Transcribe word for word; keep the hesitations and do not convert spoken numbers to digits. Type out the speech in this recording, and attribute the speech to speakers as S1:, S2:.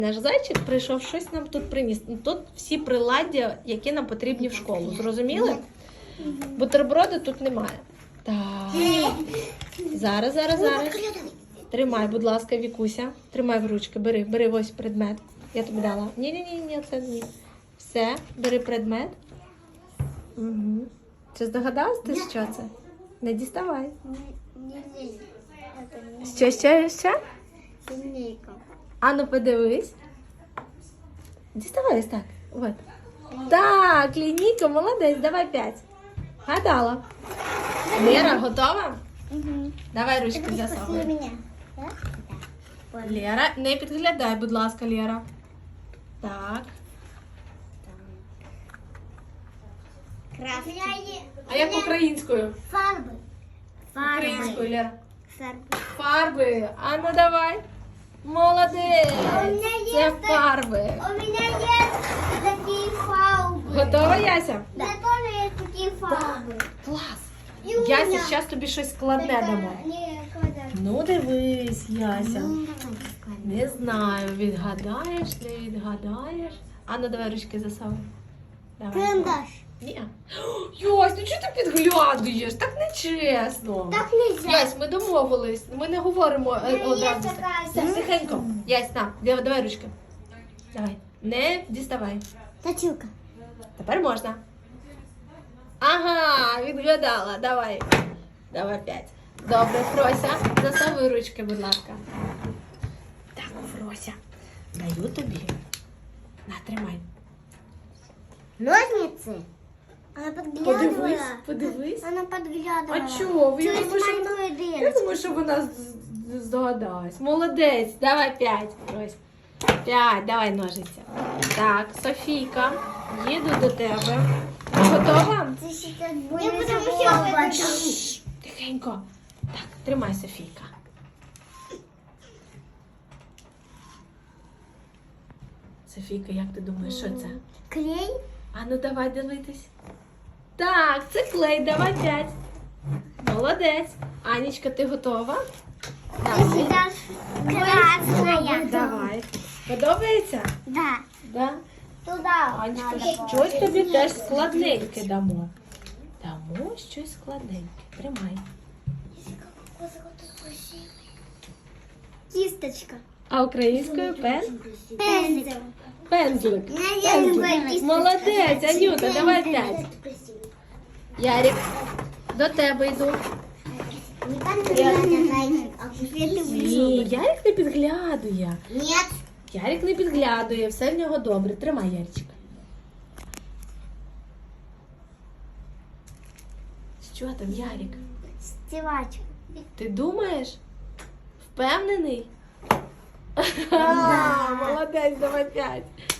S1: Наш зайчик прийшов, щось нам тут приніс. Тут всі приладдя, які нам потрібні в школу. Зрозуміли? Бутерброди тут немає. Так. Зараз, зараз, зараз. Тримай, будь ласка, Вікуся. Тримай в ручки, бери, бери ось предмет. Я тобі дала. Ні-ні-ні, ні, це ні. Все, бери предмет. Угу. Чи здогадалась ти, що це? Не діставай. Що, що, що?
S2: Линейка.
S1: А ну подивись. Діставай ось так. От. Так, лінійка, молодець, давай п'ять. Гадала. Лера, готова?
S2: Угу.
S1: Давай ручки засовуй.
S2: меня. Да? Да.
S1: Лера, не підглядай, будь ласка, Лера. Так.
S2: Красный.
S1: А як українською?
S2: Фарбы.
S1: Українською, Лера.
S2: Фарбы.
S1: Фарби. А ну давай. Молодець.
S2: А у мене є
S1: Це
S2: так-
S1: фарби.
S2: У меня есть такие фарбы.
S1: Готова, Яся?
S2: Да. тоже есть такие фарбы.
S1: Клас.
S2: І у
S1: Яся,
S2: мене.
S1: зараз тобі щось складне дамо.
S2: Не, квадрат.
S1: Ну дивись, Яся.
S2: Ну, давай.
S1: Не знаю, відгадаєш, не відгадаєш. А ну давай ручки засовуй. Давай.
S2: Карандаш.
S1: Ні. Ясь, ну чого ти підглядуєш? Так нечесно.
S2: Так нельзя.
S1: Ясь, ми домовились. Ми не говоримо е,
S2: мене є
S1: одразу.
S2: така
S1: Все,
S2: ідея.
S1: тихенько. Ясь, на, давай, давай ручки. Давай. Не діставай.
S2: Точилка.
S1: Тепер можна. Ага, відгадала. Давай. Давай п'ять. Добре, Фрося, засовуй ручки, будь ласка. Так, Фрося, даю тобі. На, тримай.
S2: Ножницы. Она подглядывала.
S1: Подивись, подивись.
S2: Она подглядывала.
S1: А чого? Я
S2: Через
S1: думаю, що вона,
S2: маленькую
S1: я
S2: дырочку.
S1: думаю, що вона з- з- здогадалась. Молодець. Давай п'ять, Фрось. П'ять, давай ножиця. Так, Софійка, їду до тебе. Готова?
S2: Ты сейчас будешь
S1: Шш, тихенько. Так, тримай, Софійка. Софійка, як ти думаєш, що це?
S2: Клей.
S1: А ну давай дивитись. Так, це клей, давай п'ять. Молодець. Анічка, ти готова?
S2: Ты сейчас красная.
S1: Давай. Подобається?
S2: Да.
S1: Да?
S2: Туда.
S1: Анечка,
S2: надо.
S1: щось тобі теж складненьке дамо. Дамо щось складненьке. Тримай.
S2: Кисточка.
S1: А українською пен?
S2: Пензель.
S1: Пензлик.
S2: Я люблю
S1: Пензлик.
S2: кисточку.
S1: Молодець, Анюта, давай п'ять. Ярик, до тебе йду.
S2: Не подглядывай, зайчик, а теперь ты
S1: Ні,
S2: ближе.
S1: Ярик не підглядує.
S2: Нет.
S1: Ярик не підглядує, все в нього добре. Тримай, Яричка. Що там, Ярик?
S2: Стевачка.
S1: Ти думаєш? Впевнений? Ха, молодець, давай п'ять.